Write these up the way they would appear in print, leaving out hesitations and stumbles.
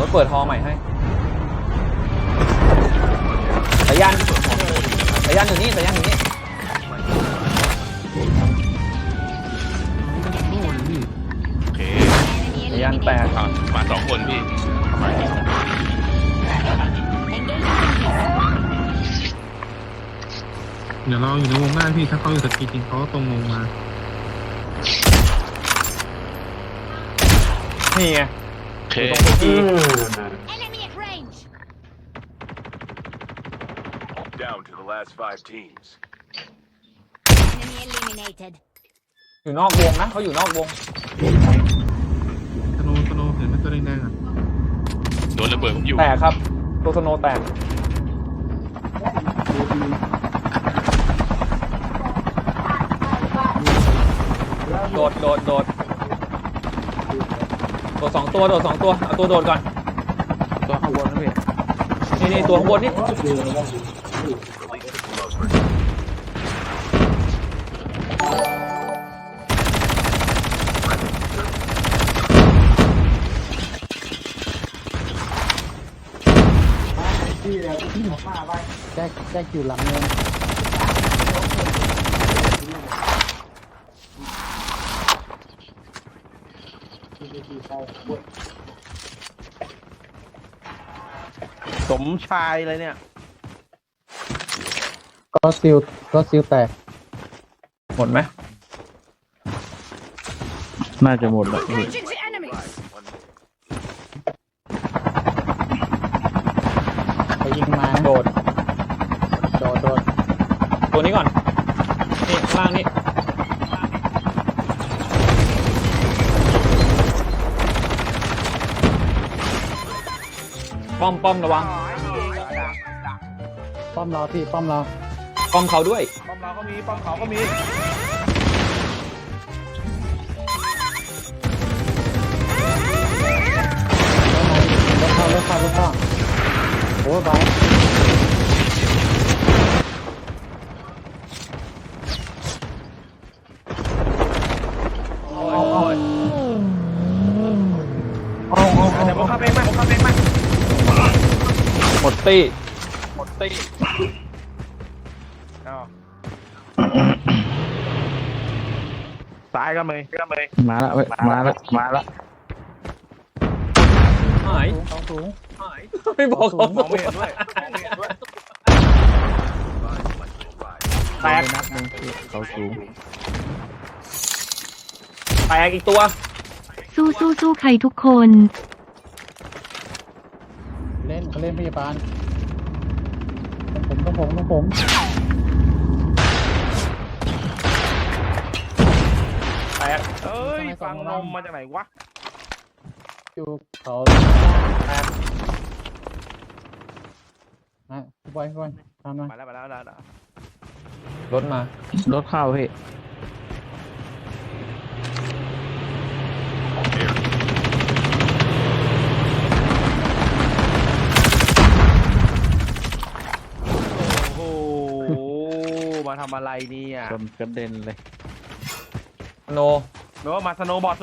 เปิดฮอใหม่ให้สายันอยู่นี่สายันอยู่นี่โอเคสายันแตกมา2 คนพี่เดี๋ยวเราอยู่ในวงได้พี่ถ้าเขาอยู่สกีจริงเขาตรงลงมานี่ไงโอเค Down to the last 5 teams. อยู่นอกวงนะเขาอยู่นอกวงสโนเห็นไหมตัวแดงๆอ่ะโดนระเบิดผมอยู่แตกครับตัวสโนแตกโดด2 ตัวโดด2 ตัวเอาตัวโดดก่อนตัวข้างบนนะพี่นี่ตัวข้างบนนี่แจ็คอยู่หลังเนินสมชายเลยเนี่ยก็ซิลแตกหมดไหมน่าจะหมดแล้วพี่ไปยิงมานะโดดโดดตัวนี้ก่อนนี่ข้างล่างนี่ป้อมระวังป้อมเราพี่ป้อมเราป้อมเขาด้วยป้อมเราก็มีป้อมเขาก็มีรถเข้าโอ้ยบายเดี๋ยวผมขับเองมาหมดตี้ซ้ายก็มีมาละหายเขาสูงไม่บอกเขามองไม่เห็นด้วยแตกนัดหนึ่งเขาสูงแตกอีกตัวสู้ใครทุกคนเล่นพยาบาลต้องผมแตกเอ้ยฟังนมมาจากไหนวะอยู่เขาแตกพี่บอยตามมามาแล้วรถมารถเข้าพี่โอ้โหมาทำอะไรเนี่ยชนกระเด็นเลยโนหรือว่ามาสโนว์บอร์ด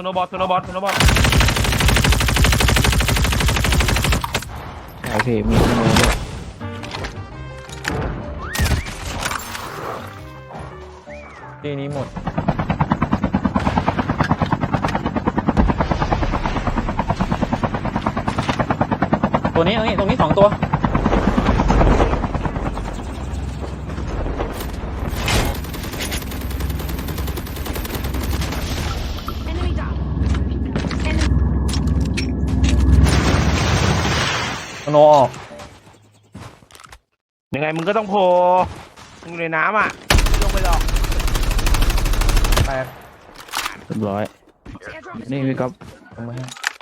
ใช่พี่มีสโนว์ด้วยทีนี้หมดตัวนี้ตรงนี้2 ตัวโนออกยังไงมึงก็ต้องโผล่มึงอยู่ในน้ำอ่ะไม่ลงไปหรอกแตกเรียบร้อยนี่พี่ก๊อฟทำไม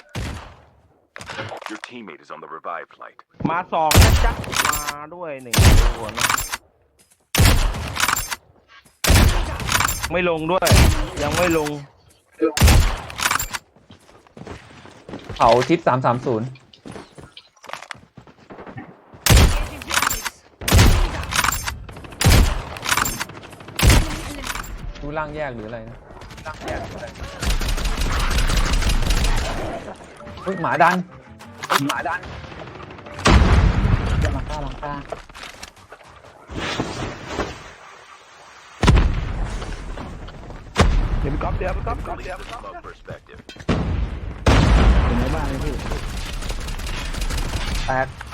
Your teammate is on the revive flight. มา2นะจ๊ะมาด้วย1ตัวนะไม่ลงด้วยยังไม่ลงเขาทิศ330ดูล่างแยกหรืออะไรนะเฮ้ยหมาดันหมาดันเดี๋ยวหลังคาเดี๋ยวไปก๊อปเดี๋ยวไปก๊อป Complete the smoke perspective. อยู่ในบ้านเลยพี่แตก